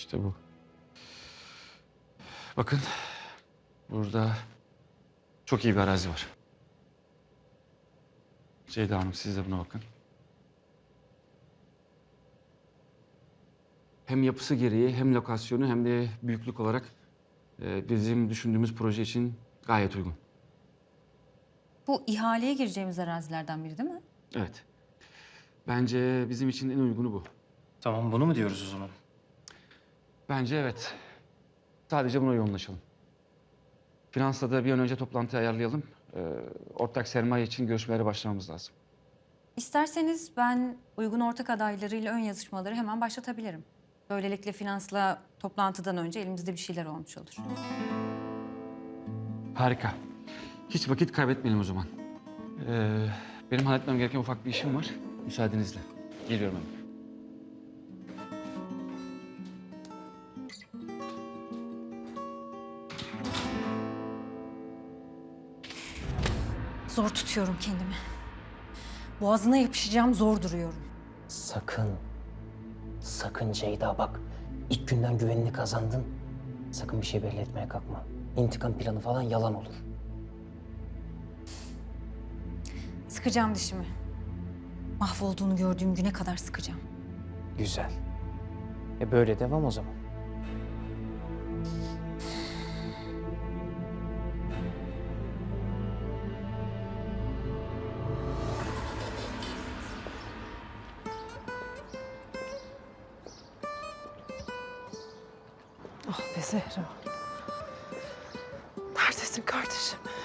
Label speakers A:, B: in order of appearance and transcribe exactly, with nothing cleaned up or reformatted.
A: İşte bu. Bakın, burada çok iyi bir arazi var. Ceyda Hanım, siz de buna bakın. Hem yapısı gereği, hem lokasyonu, hem de büyüklük olarak e, bizim düşündüğümüz proje için gayet uygun.
B: Bu ihaleye gireceğimiz arazilerden biri değil mi?
A: Evet. Bence bizim için en uygunu bu.
C: Tamam, bunu mu diyoruz o zaman?
A: Bence evet. Sadece buna yoğunlaşalım. Finansla da bir an önce toplantı ayarlayalım. Ee, ortak sermaye için görüşmelere başlamamız lazım.
B: İsterseniz ben uygun ortak adaylarıyla ön yazışmaları hemen başlatabilirim. Böylelikle finansla toplantıdan önce elimizde bir şeyler olmuş olur.
A: Harika. Hiç vakit kaybetmeyelim o zaman. Ee, benim halletmem gereken ufak bir işim var. Müsaadenizle. Geliyorum hemen.
B: Zor tutuyorum kendimi. Boğazına yapışacağım, zor duruyorum.
D: Sakın, sakın Ceyda bak. İlk günden güvenini kazandın. Sakın bir şey belli etmeye kalkma. İntikam planı falan yalan olur.
B: Sıkacağım dişimi. Mahvolduğunu gördüğüm güne kadar sıkacağım.
D: Güzel. E böyle devam o zaman.
E: Ah be Zehra. Neredesin kardeşim?